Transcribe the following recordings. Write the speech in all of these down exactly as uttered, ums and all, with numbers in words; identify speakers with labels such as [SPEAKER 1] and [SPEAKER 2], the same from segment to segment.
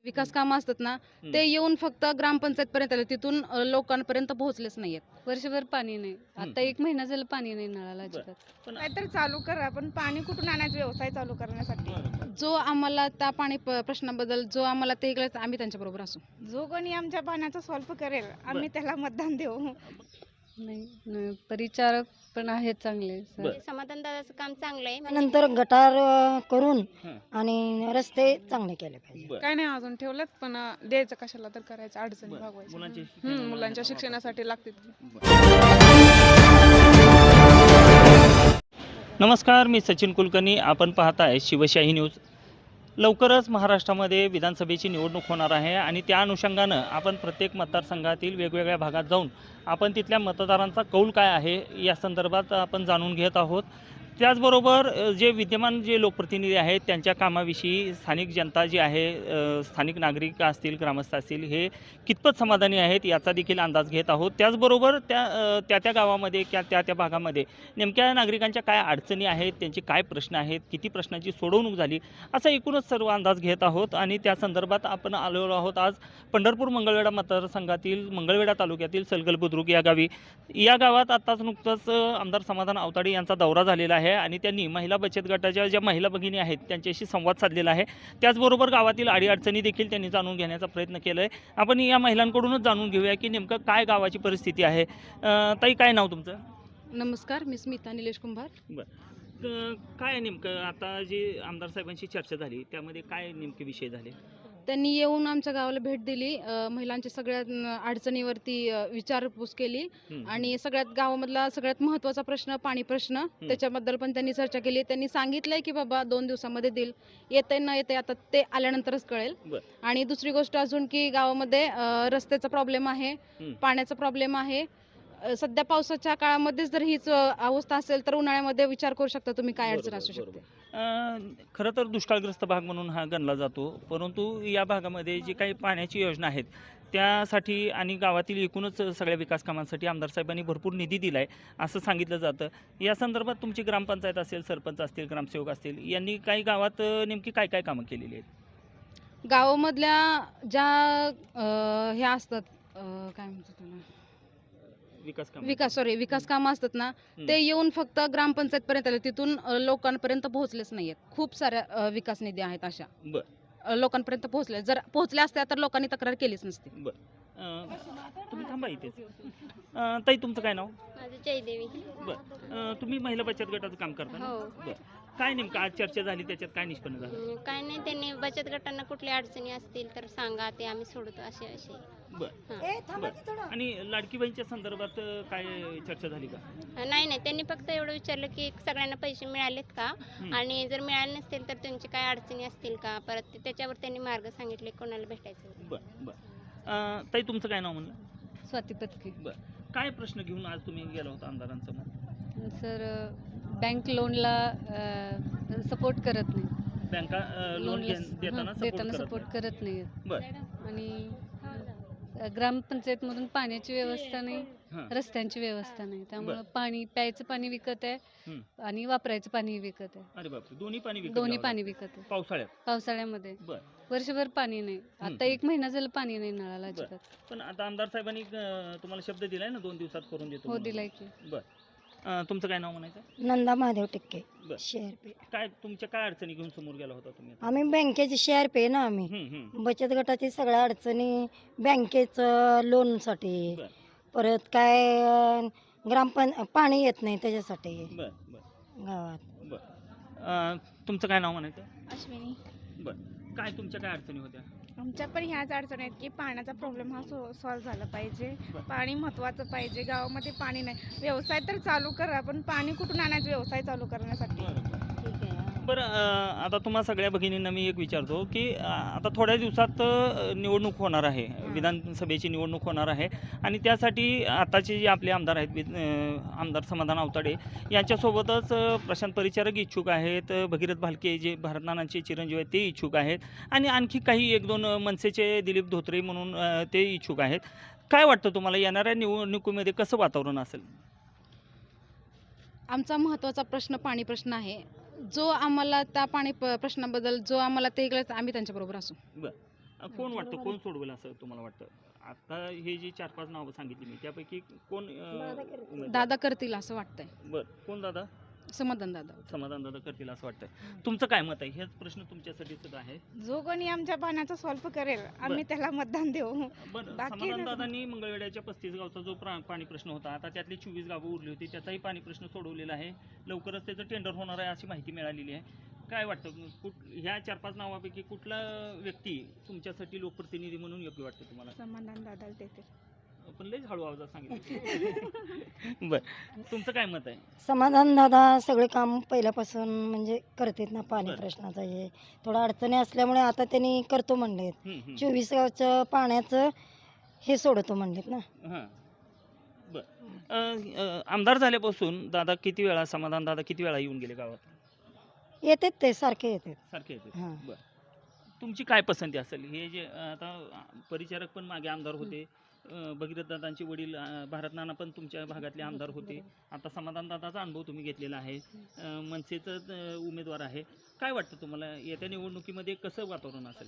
[SPEAKER 1] विकास कामं असतात ना
[SPEAKER 2] हं.
[SPEAKER 1] ते येऊन फक्त ग्रामपंचायत पर्यंत आले, तिथून अ, लोकांपर्यंत पोहोचलेच नाहीयेत.
[SPEAKER 3] वर्षभर पाणी नाही. आता एक महिना झालं पाणी नाही नळाला अजिबात.
[SPEAKER 2] पण
[SPEAKER 4] काहीतरी चालू करा, पण पाणी कुठून आणायचं व्यवसाय चालू करण्यासाठी.
[SPEAKER 2] बरं.
[SPEAKER 1] जो आम्हाला त्या पाणी प- प्रश्नाबद्दल जो आम्हाला ते कळलं आम्ही त्यांच्याबरोबर असू.
[SPEAKER 4] जो कोणी आमच्या पाण्याचा सॉल्व्ह करेल आम्ही त्याला मतदान देऊ.
[SPEAKER 3] नाही नाही, परिचारक पण आहेत चांगले सर.
[SPEAKER 2] बरं.
[SPEAKER 5] समाधान दादाचं काम चांगलं आहे.
[SPEAKER 6] नंतर गटार अ, करून
[SPEAKER 2] हं.
[SPEAKER 6] आणि रस्ते चांगले केले पाहिजे.
[SPEAKER 2] बरं.
[SPEAKER 4] काय नाही अजून ठेवलं, पण द्यायचं कशाला तर करायचं, अडचणी
[SPEAKER 2] बरं.
[SPEAKER 4] भागवायचं.
[SPEAKER 2] मुलांच्या
[SPEAKER 4] हम्म,
[SPEAKER 2] शिक्षणाला
[SPEAKER 4] मुलांच्या
[SPEAKER 2] वापर.
[SPEAKER 4] शिक्षणासाठी लागते.
[SPEAKER 2] नमस्कार, मी सचिन कुलकर्णी. आपण पाहताय शिवशाही न्यूज. लवकरच महाराष्ट्रामध्ये विधानसभेची निवडणूक होणार आहे आणि त्या अनुषंगानं आपण प्रत्येक मतदारसंघातील वेगवेगळ्या भागात जाऊन आपण तिथल्या मतदारांचा कौल काय आहे या संदर्भात आपण जाणून घेत आहोत. त्याचबरोबर अ, जे विद्यमान जे लोकप्रतिनिधी आहेत त्यांच्या कामाविषयी स्थानिक जनता जी आहे, अ, स्थानिक नागरिक असतील, ग्रामस्थ असतील, हे कितपत समाधानी आहेत याचा देखील अंदाज घेत आहोत. त्याचबरोबर त्या अ, त्या त्या गावामध्ये किंवा त्या त्या भागामध्ये नेमक्या नागरिकांच्या काय अडचणी आहेत, त्यांचे काय प्रश्न आहेत, किती प्रश्नांची सोडवणूक झाली, असा एकूणच सर्व अंदाज घेत आहोत. आणि त्या संदर्भात आपण आलेलो आहोत आज पंढरपूर मंगळवेढा मतदारसंघातील मंगळवेढा तालुक्यातील सलगल बुद्रुक या गावी. या गावात आत्ताच नुकतंच अ, आमदार समाधान आवताडे यांचा दौरा झालेला आहे आणि त्यांनी महिला बचत गटाच्या ज्या महिला भगिनी आहेत त्यांच्याशी संवाद साधलेला आहे. त्याचबरोबर गावातील अडीअडचणी देखील त्यांनी जाणून घेण्याचा प्रयत्न केला आहे. आपण या महिलांकडूनच जाणून घेऊया की नेमकं काय गावाची परिस्थिती आहे. अ, ताई, काय नाव तुमचं?
[SPEAKER 1] नमस्कार, मी स्मिता निलेश कुंभार.
[SPEAKER 2] बरं. काय नेमकं आता जी आमदार साहेबांशी चर्चा झाली त्यामध्ये काय नेमके विषय झाले?
[SPEAKER 1] त्यांनी येऊन आमच्या गावाला भेट दिली, अ, महिलांच्या सगळ्या अ, अडचणीवरती अ, विचारपूस केली
[SPEAKER 2] हं.
[SPEAKER 1] आणि सगळ्यात गावामधला सगळ्यात महत्त्वाचा प्रश्न पाणी प्रश्न त्याच्याबद्दल पण त्यांनी चर्चा केली. त्यांनी सांगितलंय की बाबा दोन दिवसामध्ये देईल, येते न येते आता ते आल्यानंतरच कळेल.
[SPEAKER 2] बरं.
[SPEAKER 1] आणि दुसरी गोष्ट अजून की गावामध्ये अ, रस्त्याचा प्रॉब्लेम आहे,
[SPEAKER 2] हं.
[SPEAKER 1] पाण्याचा प्रॉब्लेम आहे. अ, सध्या पावसाच्या काळामध्येच जर हीच अ, अवस्था असेल तर उन्हाळ्यामध्ये विचार करू शकता तुम्ही काय अडचण
[SPEAKER 2] बरोबर,
[SPEAKER 1] असू शकते.
[SPEAKER 2] बरोबर. अं, खरं तर दुष्काळग्रस्त भाग म्हणून हा गणला जातो, परंतु या भागामध्ये जी काही पाण्याची योजना आहेत त्यासाठी आणि गावातील एकूणच सगळ्या विकास कामांसाठी आमदार साहेबांनी भरपूर निधी दिला आहे असं सांगितलं जातं. या संदर्भात तुमची ग्रामपंचायत असेल, सरपंच असतील, ग्रामसेवक असतील, यांनी काही गावात अं, नेमकी काय काय कामं केलेली आहेत?
[SPEAKER 1] गावामधल्या ज्या अ, ह्या असतात अ, काय म्हणतात त्याला
[SPEAKER 2] विकास काम
[SPEAKER 1] विकास सॉरी विकास कामं असतात ना
[SPEAKER 2] हं.
[SPEAKER 1] ते येऊन फक्त ग्रामपंचायत पर्यंत आले, तिथून अ, लोकांपर्यंत पोहोचलेच नाहीयेत. खूप साऱ्या अ, विकास निधी आहेत अशा
[SPEAKER 2] बरं.
[SPEAKER 1] अ, लोकांपर्यंत पोहोचले. जर पोहोचल्या असत्या तर लोकांनी तक्रार केलीच नसती.
[SPEAKER 2] अं, तुम्ही थांबा इथेच. अं, ताई, तुमचं काय नाव?
[SPEAKER 5] माझं जयदेवी.
[SPEAKER 2] बरं. अं, तुम्ही महिला बचत गटाचं काम करता ना?
[SPEAKER 5] हो.
[SPEAKER 2] बरं. काय नेमकं आज चर्चा झाली त्याच्यात काय निष्पन्न झालं?
[SPEAKER 5] हम्म, काय नाही, त्यांनी बचत गटांना कुठल्या अडचणी असतील तर सांगा, ते आम्ही सोडतो असे असे.
[SPEAKER 2] बरं.
[SPEAKER 5] हां.
[SPEAKER 2] बरं. आणि लाडकी बहीणच्या संदर्भात अं, काय चर्चा झाली का?
[SPEAKER 5] नाही नाही, त्यांनी फक्त एवढं विचारलं की सगळ्यांना पैसे मिळालेत का,
[SPEAKER 2] हं.
[SPEAKER 5] आणि जर मिळाले नसतील तर त्यांची काय अडचणी असतील का, परत ते- त्याच्यावर त्यांनी मार्ग सांगितले कोणाला भेटायचं.
[SPEAKER 2] बरं बरं. अं, ताई, तुमचं काय नाव म्हणलं?
[SPEAKER 3] स्वाती पत्की.
[SPEAKER 2] बरं. काय प्रश्न घेऊन आज तुम्ही गेला होता आमदारांसमोर?
[SPEAKER 3] सर बँक लोनला सपोर्ट करत नाही.
[SPEAKER 2] बँका अं, लोन
[SPEAKER 3] लोनला
[SPEAKER 2] घेन- देताना
[SPEAKER 3] हं, देताना
[SPEAKER 2] सपोर्ट
[SPEAKER 3] सपोर्ट
[SPEAKER 2] करत
[SPEAKER 3] करत नाही.
[SPEAKER 2] नाही. बरं.
[SPEAKER 3] आणि अ, ग्रामपंचायतमधून पाण्याची व्यवस्था नाही,
[SPEAKER 2] हां.
[SPEAKER 3] रस्त्यांची व्यवस्था नाही. त्यामुळं
[SPEAKER 2] बरं.
[SPEAKER 3] पाणी प्यायचं पाणी विकत आहे
[SPEAKER 2] हं.
[SPEAKER 3] आणि वापरायचं पाणी विकत आहे.
[SPEAKER 2] अरे बापरे, दोन्ही पाणी विकत
[SPEAKER 3] दोन्ही
[SPEAKER 2] घ्यावं
[SPEAKER 3] पाणी
[SPEAKER 2] लागतं?
[SPEAKER 3] विकत आहे
[SPEAKER 2] पावसाळ्यात?
[SPEAKER 3] पावसाळ्यामध्ये.
[SPEAKER 2] बरं.
[SPEAKER 3] वर्षभर पाणी नाही. आता एक महिना झालं पाणी नाही नळाला
[SPEAKER 2] बरं.
[SPEAKER 3] अजिबात.
[SPEAKER 2] पण आता आमदार साहेबांनी अं, तुम्हाला शब्द दिलाय ना दोन दिवसात करून देतो
[SPEAKER 3] हो,
[SPEAKER 2] म्हणून?
[SPEAKER 3] दिलाय की.
[SPEAKER 2] बरं. अं, तुमचं काय नाव म्हणायचं?
[SPEAKER 6] नंदा महादेव टिक्के,
[SPEAKER 2] बरं.
[SPEAKER 6] शेअर
[SPEAKER 2] काय तुमच्या काय अडचणी घेऊन समोर गेला होता तुम्ही आता?
[SPEAKER 6] आम्ही बँकेचे शेअर पे ना आम्ही
[SPEAKER 2] हं, हं.
[SPEAKER 6] बचत गटाची सगळ्या अडचणी, बँकेचं लोनसाठी,
[SPEAKER 2] बरं.
[SPEAKER 6] परत काय अं, ग्रामपं पाणी येत नाही त्याच्यासाठी
[SPEAKER 2] बरं बरं
[SPEAKER 6] गावात.
[SPEAKER 2] बरं. अं, तुमचं काय नाव म्हणायचं?
[SPEAKER 4] अश्विनी,
[SPEAKER 2] बरं. काय तुमच्या काय अडचणी होत्या?
[SPEAKER 4] आमच्या पण ह्याच अडचणी आहेत की पाण्याचा प्रॉब्लेम हा सॉल्व्ह झाला पाहिजे.
[SPEAKER 2] बरं.
[SPEAKER 4] पाणी महत्वाचं पाहिजे. गावामध्ये पाणी नाही. व्यवसाय तर चालू करा, पण पाणी कुठून आणायचं व्यवसाय चालू करण्यासाठी.
[SPEAKER 2] बरं बरं.
[SPEAKER 6] ठीक आहे.
[SPEAKER 2] बरं. अं, आता तुम्हा सगळ्या भगिनींना मी एक विचारतो की अं, आता थोड्या दिवसात अं, निवडणूक होणार आहे, विधानसभेची निवडणूक होणार आहे आणि त्यासाठी आताचे जे आपले आमदार आहेत, वि- अं, आमदार समाधान आवताडे यांच्यासोबतच अं, प्रशांत परिचारक इच्छुक आहेत, अं, भगीरथ भालके जे भारतनानांचे चिरंजीव आहेत ते इच्छुक आहेत आणि आणखी काही एक दोन अं, मनसेचे दिलीप धोत्रे म्हणून अं, ते इच्छुक आहेत. काय वाटतं तुम्हाला येणाऱ्या निवडणुकीमध्ये कसं वातावरण असेल?
[SPEAKER 1] आमचा महत्त्वाचा प्रश्न पाणी प्रश्न आहे. जो आम्हाला त्या पाणी प- प्रश्नाबद्दल जो आम्हाला ते कळलं आम्ही त्यांच्याबरोबर असू.
[SPEAKER 2] अ, कोण वाटतं कोण सोडवेल असं तुम्हाला वाटतं? आता हे जी चार पाच नावं सांगितली मी त्यापैकी कोण अ, उमेदवार?
[SPEAKER 1] दादा करतील असं वाटतंय.
[SPEAKER 2] बरं, कोण दादा?
[SPEAKER 1] समाधान दादा.
[SPEAKER 2] समाधान दादा करतील असं वाटतंय. तुमचं काय मत आहे? हेच प्रश्न तुमच्यासाठी सुद्धा आहे.
[SPEAKER 4] जो कोणी आमच्या पाण्याचा सॉल्व करेल आम्ही त्याला मतदान देऊ.
[SPEAKER 2] बरं,
[SPEAKER 4] बाकी
[SPEAKER 2] समाधान
[SPEAKER 4] नाही.
[SPEAKER 2] दादांनी मंगळवेढ्याच्या पस्तीस गावचा जो प्रा- पाणी प्रश्न होता, आता त्यातली चोवीस गावं उरली होती, त्याचाही पाणी प्रश्न सोडवलेला आहे. लवकरच त्याचं टेंडर होणार आहे अशी माहिती मिळालेली आहे. काय वाटतं कुठ ह्या चार पाच नावापैकी कुठला व्यक्ती तुमच्यासाठी लोकप्रतिनिधी म्हणून योग्य वाटतं तुम्हाला?
[SPEAKER 4] समाधान दादाला देते.
[SPEAKER 2] पण लयच हळू आवाजात सांगितलं. बरं, तुमचं काय मत आहे?
[SPEAKER 6] समाधान दादा सगळे काम पहिल्यापासून म्हणजे करतात ना, पाणी
[SPEAKER 2] बरं.
[SPEAKER 6] प्रश्नाचं हे थोडं अडचणी असल्यामुळे आता त्यांनी करतो म्हणलेत.
[SPEAKER 2] हं, हं.
[SPEAKER 6] चोवीस गावचं पाण्याचं हे सोडतो म्हणलेत ना.
[SPEAKER 2] हां, बरं. अ, अ, आमदार झाल्यापासून दादा किती वेळा समाधान दादा किती वेळा येऊन गेले गावात?
[SPEAKER 6] येतात ते सारखे येतात.
[SPEAKER 2] सारखे येते.
[SPEAKER 6] हां.
[SPEAKER 2] बरं, तुमची काय पसंती असेल? हे जे अ, आता परिचारक पण मागे आमदार होते, अ, भगीरथ दादांचे वडील अ, भारत नाना पण तुमच्या भागातले आमदार होते. आता समाधान दादाचा अनुभव तुम्ही घेतलेला आहे. अ, मनसेचं अ, उमेदवार आहे. काय वाटतं तुम्हाला येत्या निवडणुकीमध्ये कसं वातावरण असेल?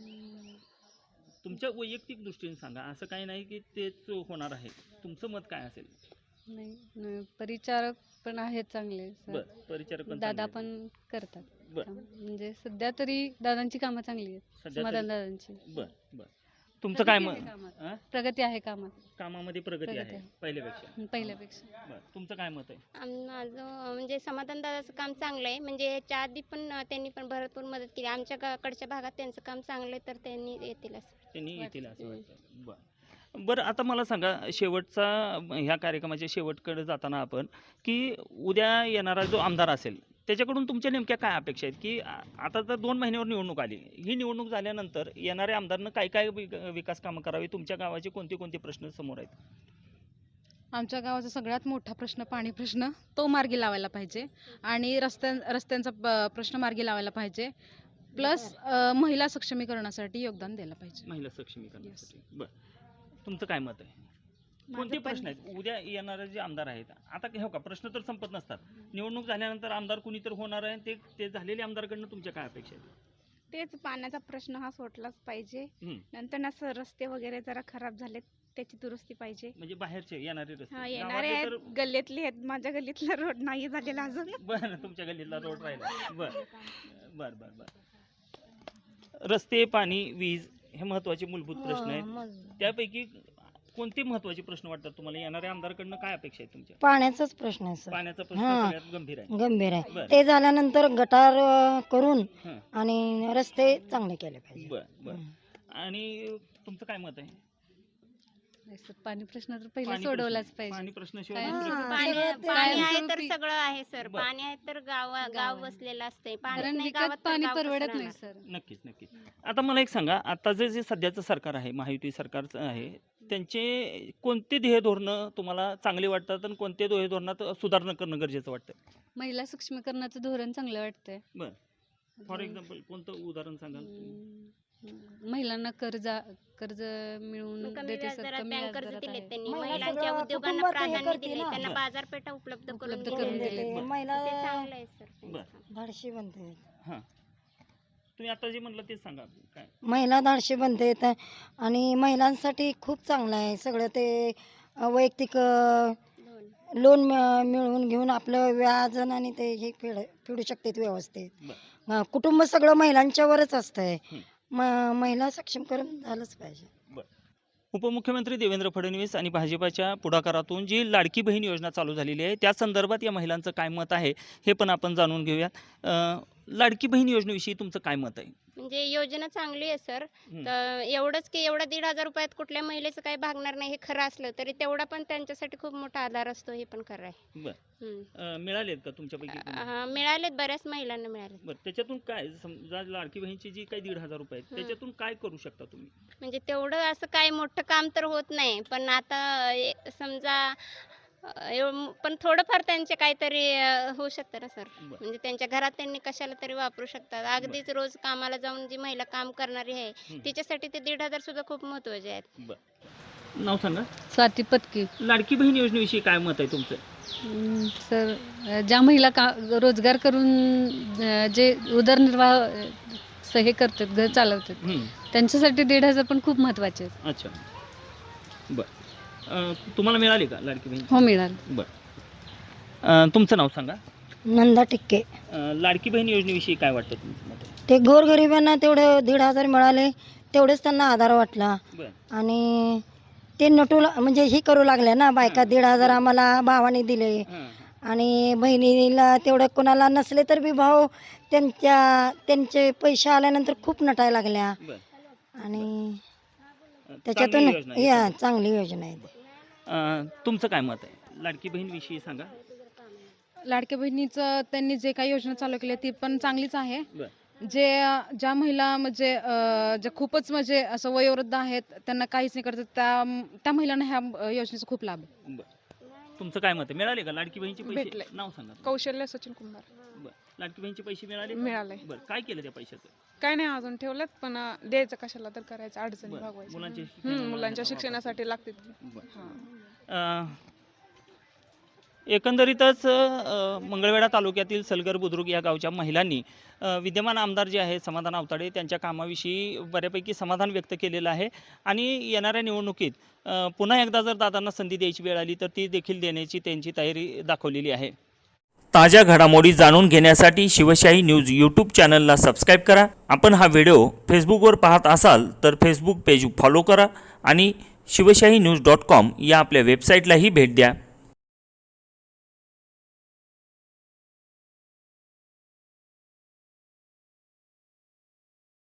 [SPEAKER 2] तुमच्या वैयक्तिक दृष्टीने सांगा, असं काही नाही की तेच होणार आहे. तुमचं मत काय असेल?
[SPEAKER 3] नाही न- परिचारक पण आहेत चांगले सर.
[SPEAKER 2] बरं, परिचारक पण
[SPEAKER 3] दादा
[SPEAKER 2] चांगले
[SPEAKER 3] पण करतात
[SPEAKER 2] बरं.
[SPEAKER 3] काम. म्हणजे सध्या तरी दादांची कामं चांगली आहेत.
[SPEAKER 2] सध्या
[SPEAKER 3] समाधान
[SPEAKER 2] तरी-
[SPEAKER 3] दादांची
[SPEAKER 2] बरं बरं. तुमचं काय
[SPEAKER 3] प्रगती
[SPEAKER 2] मत?
[SPEAKER 3] आहे कामात.
[SPEAKER 2] अं?
[SPEAKER 3] प्रगती आहे कामात
[SPEAKER 2] कामामध्ये प्रगती
[SPEAKER 3] प्रगती
[SPEAKER 2] आहे
[SPEAKER 3] आहे.
[SPEAKER 2] पहिल्यापेक्षा.
[SPEAKER 3] हं, पहिल्यापेक्षा.
[SPEAKER 2] बरं, तुमचं काय मत आहे?
[SPEAKER 5] आम- माझं म्हणजे समाधान दादाचं काम चांगलं आहे. म्हणजे याच्या आधी पण अं, त्यांनी पण भरपूर मदत केली. आमच्या गाकडच्या भागात त्यांचं काम चांगलं आहे तर त्यांनी येतील असं.
[SPEAKER 2] त्यांनी येतील असं
[SPEAKER 5] हं.
[SPEAKER 2] वाटतं. बरं बरं, आता मला सांगा, शेवटचा ह्या कार्यक्रमाच्या शेवटकडे जाताना आपण की उद्या येणारा जो आमदार असेल त्याच्याकडून तुमच्या नेमक्या काय अपेक्षा आहेत? की आ- आता तर दोन महिन्यावर निवडणूक आली, ही निवडणूक झाल्यानंतर येणाऱ्या आमदारनं काय काय विक- विकास कामं करावी? तुमच्या गावाचे कोणते कोणते प्रश्न समोर आहेत?
[SPEAKER 1] आमच्या गावाचा सगळ्यात मोठा प्रश्न पाणी प्रश्न तो मार्गी लावायला पाहिजे आणि रस्त्यां रस्त्यांचा प- प्रश्न मार्गी लावायला पाहिजे. प्लस महिला सक्षमीकरणासाठी योगदान द्यायला पाहिजे.
[SPEAKER 2] महिला सक्षमीकरणासाठी. बरं, तुमचं काय मत आहे? कोणते
[SPEAKER 4] माझं पण
[SPEAKER 2] प्रश्न आहेत उद्या येणारे जे आमदार आहेत? आता हे हो का, प्रश्न तर संपत नसतात. निवडणूक झाल्यानंतर आमदार कुणी तर होणार आहे, ते ते झालेले आमदारकडनं तुमच्या काय अपेक्षा आहेत?
[SPEAKER 4] तेच पाण्याचा प्रश्न हा सोडलाच पाहिजे.
[SPEAKER 2] हं.
[SPEAKER 4] नंतर ना सर रस्ते वगैरे जरा खराब झालेत त्याची दुरुस्ती पाहिजे.
[SPEAKER 2] म्हणजे बाहेरचे येणारे रस्ते
[SPEAKER 4] हा येणारे
[SPEAKER 2] गावातले
[SPEAKER 4] आहेत,
[SPEAKER 2] तर
[SPEAKER 4] गल्लीतले आहेत. माझ्या गल्लीतला रोड नाही झालेला अजून.
[SPEAKER 2] बरं, तुमच्या गल्लीतला रोड राहिला. बरं बरं बरं बरं. रस्ते, पाणी, वीज हे महत्वाचे मूलभूत प्रश्न आहेत.
[SPEAKER 6] मग
[SPEAKER 2] त्यापैकी कोणते महत्वाचे प्रश्न वाटतात तुम्हाला? येणाऱ्या आमदारकडनं काय अपेक्षा आहेत तुमच्या?
[SPEAKER 6] पाण्याचाच प्रश्न आहे सर,
[SPEAKER 2] पाण्याचा प्रश्न
[SPEAKER 6] हां.
[SPEAKER 2] सगळ्यात गंभीर आहे.
[SPEAKER 6] गंभीर आहे.
[SPEAKER 2] बरं.
[SPEAKER 6] ते झाल्यानंतर गटार अं, करून
[SPEAKER 2] हं.
[SPEAKER 6] आणि रस्ते चांगले केले पाहिजे.
[SPEAKER 2] बरं बरं.
[SPEAKER 6] हं.
[SPEAKER 2] आणि तुमचं काय मत आहे?
[SPEAKER 3] नाही सर, पाणी प्रश्न तर पहिला
[SPEAKER 2] पाणी
[SPEAKER 3] सोडवलाच
[SPEAKER 2] प्रश्न-
[SPEAKER 3] पाहिजे.
[SPEAKER 2] पाणी प्रश्नाशिवाय
[SPEAKER 3] काय-
[SPEAKER 2] दुसरं-
[SPEAKER 6] हां.
[SPEAKER 5] पाणी
[SPEAKER 6] सगळं ते
[SPEAKER 5] पाणी आहे तर
[SPEAKER 3] कायमस्वरूपी-
[SPEAKER 5] सगळं आहे सर.
[SPEAKER 2] बरं.
[SPEAKER 5] पाणी आहे तर गाव गाव
[SPEAKER 3] गाव आहे.
[SPEAKER 5] बसलेलं असतंय. पाणी
[SPEAKER 3] कारण
[SPEAKER 5] नाही
[SPEAKER 3] विकत
[SPEAKER 5] गावात तर
[SPEAKER 3] पाणी
[SPEAKER 5] गाव कसं
[SPEAKER 3] परवडत नाही
[SPEAKER 5] राहणार?
[SPEAKER 3] सर.
[SPEAKER 2] नक्कीच नक्कीच. आता मला एक सांगा, आता जे जे सध्याचं सरकार आहे, महायुती सरकारचं आहे, त्यांचे कोणते ध्येय धोरणं तुम्हाला चांगले वाटतात आणि कोणते ध्येय धोरणात सुधारणा करणं गरजेचं वाटतं?
[SPEAKER 3] महिला सक्षमीकरणाचं धोरण चांगलं वाटतंय.
[SPEAKER 2] बरं. फॉर एक्झाम्पल कोणतं उदाहरण सांगाल?
[SPEAKER 3] हम्म, महिलांना कर्ज कर्ज मिळवून
[SPEAKER 5] कमी
[SPEAKER 3] देते
[SPEAKER 5] व्याज
[SPEAKER 3] सर.
[SPEAKER 5] दरात
[SPEAKER 3] कमी
[SPEAKER 5] बँक
[SPEAKER 3] व्याज
[SPEAKER 5] कर्ज
[SPEAKER 3] दरात
[SPEAKER 5] दिले
[SPEAKER 3] आहे.
[SPEAKER 5] त्यांनी.
[SPEAKER 6] महिला
[SPEAKER 5] महिलांच्या
[SPEAKER 6] सगळं
[SPEAKER 5] उद्योगांना
[SPEAKER 6] कुटुंबाचं हे
[SPEAKER 5] प्राधान्य
[SPEAKER 6] करते
[SPEAKER 5] दिले.
[SPEAKER 6] ना.
[SPEAKER 5] त्यांना
[SPEAKER 2] बरं.
[SPEAKER 5] बाजारपेठा उपलब्ध करून
[SPEAKER 3] उपलब्ध
[SPEAKER 5] दिलेल्या
[SPEAKER 3] करून
[SPEAKER 5] आहेत.
[SPEAKER 3] दिले.
[SPEAKER 2] बरं.
[SPEAKER 6] महिला
[SPEAKER 5] ते चांगलं आहे सर त्यांचं
[SPEAKER 2] बरं.
[SPEAKER 5] काम.
[SPEAKER 6] धाडशी बनते.
[SPEAKER 2] हां, तुम्ही आता जे म्हणलं तेच सांगा काय.
[SPEAKER 6] महिला धाडशी बनते आणि महिलांसाठी खूप चांगलं आहे सगळं ते. अं, वैयक्तिक अं,
[SPEAKER 5] दोन.
[SPEAKER 6] लोन मिळ- मिळवून घेऊन आपलं व्याज आणि ते हे फेड फेडू शकतात व्यवस्थित.
[SPEAKER 2] बरं.
[SPEAKER 6] अं, कुटुंब सगळं महिलांच्यावरच असतंय.
[SPEAKER 2] हं.
[SPEAKER 6] म महिला सक्षमीकरण झालंच पाहिजे.
[SPEAKER 2] उपमुख्यमंत्री देवेंद्र फडणवीस आणि भाजपाच्या पुढाकारातून जी लाडकी बहीण योजना चालू झालेली आहे त्या संदर्भात या महिलांचं काय मत आहे हे पण आपण जाणून घेऊयात. अं, लाडकी बहीण योजनेविषयी तुमचं काय मत आहे?
[SPEAKER 5] म्हणजे योजना चांगली आहे सर.
[SPEAKER 2] हं.
[SPEAKER 5] तर एवढंच की एवढा दीड हजार रुपयात कुठल्या महिलेचं काही भागणार नाही हे खरं असलं तरी तेवढा पण त्यांच्यासाठी खूप मोठा आधार असतो हे पण खरं आहे.
[SPEAKER 2] बरं.
[SPEAKER 5] हं.
[SPEAKER 2] अं, मिळालेत का तुमच्यापैकी कोणी?
[SPEAKER 5] हा, मिळालेत, बऱ्याच महिलांना मिळाले.
[SPEAKER 2] बरं, त्याच्यातून काय समजा लाडकी बहीणची जी काही दीड हजार रुपये आहेत
[SPEAKER 5] हं.
[SPEAKER 2] त्याच्यातून काय करू शकता तुम्ही?
[SPEAKER 5] म्हणजे तेवढं असं काही मोठं काम तर होत नाही पण आता ए, समजा अ, एव- पण थोडंफार त्यांचे काहीतरी अ, होऊ शकतं ना सर.
[SPEAKER 2] बरं.
[SPEAKER 5] म्हणजे त्यांच्या घरात त्यांनी कशाला तरी वापरू शकतात. अगदीच रोज कामाला जाऊन जी महिला काम करणारी आहे
[SPEAKER 2] हं.
[SPEAKER 5] तिच्यासाठी ते दीड हजार सुद्धा खूप महत्वाचे आहेत.
[SPEAKER 2] नाव सांगा.
[SPEAKER 3] स्वाती पत्की.
[SPEAKER 2] लाडकी बहीण योजनेविषयी काय मत आहे तुमचं?
[SPEAKER 3] हम्म, सर अ, ज्या महिला का रोजगार करून अ, जे उदरनिर्वाह अ, स- हे करतात, घर चालवतात,
[SPEAKER 2] हं.
[SPEAKER 3] त्यांच्यासाठी दीड हजार पण खूप महत्त्वाचे आहेत.
[SPEAKER 2] अच्छा, बरं. तुम्हाला मिळाली का लाडकी बहीण?
[SPEAKER 3] हो, मिळालं.
[SPEAKER 2] बरं. तुमचं नाव सांगा.
[SPEAKER 6] नंदा टिक्के.
[SPEAKER 2] अं, लाडकी बहीण योजनेविषयी काय वाटतं तुमचं मत?
[SPEAKER 6] ते गोरगरिबांना तेवढे दीड हजार मिळाले, तेवढेच त्यांना आधार वाटला.
[SPEAKER 2] बरं.
[SPEAKER 6] आणि ते नटू ला- म्हणजे ही करू लागल्या ना बायका, दीड हजार आम्हाला भावाने दिले
[SPEAKER 2] हां,
[SPEAKER 6] आणि बहिणीला तेवढं कोणाला नसले तर बी भाऊ त्यांच्या त्यांचे पैसे आल्यानंतर खूप नटायला लागल्या.
[SPEAKER 2] बरं.
[SPEAKER 6] आणि
[SPEAKER 2] चांगली
[SPEAKER 6] त्याच्यातून
[SPEAKER 2] योजना आहे.
[SPEAKER 6] या चांगली योजना आहे.
[SPEAKER 2] अं, तुमचं काय मत आहे लाडकी बहीण विषयी सांगा.
[SPEAKER 1] लाडक्या बहिणीचं त्यांनी जे काही योजना चालू केली ती पण चांगलीच आहे.
[SPEAKER 2] बरं.
[SPEAKER 1] जे ज्या महिला म्हणजे अं, ज्या खूपच म्हणजे असं वयोवृद्ध आहेत, त्यांना काहीच नाही करत, त्या त्या महिलांना ह्या अं, योजनेचा खूप लाभ आहे.
[SPEAKER 2] बरं. तुमचं काय मत आहे? मिळाले का लाडकी बहीणचे पैसे?
[SPEAKER 4] भेटले.
[SPEAKER 2] नाव सांगा.
[SPEAKER 4] कौशल्य सचिन कुंभार.
[SPEAKER 2] बरं. लाडकी बहीणचे पैसे मिळाले?
[SPEAKER 4] मिळाले.
[SPEAKER 2] बरं. काय केलं त्या पैशाचं?
[SPEAKER 4] काय नाही अजून ठेवलेत, पण अं, द्यायचं कशाला तर करायचं, अडचणी
[SPEAKER 2] बरं.
[SPEAKER 4] भागवायच्या.
[SPEAKER 2] मुलांच्या
[SPEAKER 4] हम्म,
[SPEAKER 2] शिक्षणाला
[SPEAKER 4] मुलांच्या
[SPEAKER 2] वापरायचं.
[SPEAKER 4] शिक्षणासाठी लागते.
[SPEAKER 2] बरं.
[SPEAKER 4] हां.
[SPEAKER 2] अं, एकंदरीतच अ, मंगळवेढा तालुक्यातील सलगर बुद्रुक या गावच्या महिलांनी अ, विद्यमान आमदार जे आहे समाधान आवताडे त्यांच्या कामाविषयी बऱ्यापैकी समाधान व्यक्त केलेलं आहे आणि येणाऱ्या निवडणुकीत अ, पुन्हा एकदा जर दादांना संधी द्यायची वेळ आली तर ती देखील देण्याची त्यांची तयारी दाखवलेली आहे. ताज्या घडामोडी जाणून घेण्यासाठी शिवशाही न्यूज यूट्यूब चॅनलला सबस्क्राईब करा. आपण हा व्हिडिओ फेसबुकवर पाहत असाल तर फेसबुक पेज फॉलो करा आणि शिवशाही न्यूज डॉट कॉम या आपल्या वेबसाईटलाही भेट द्या.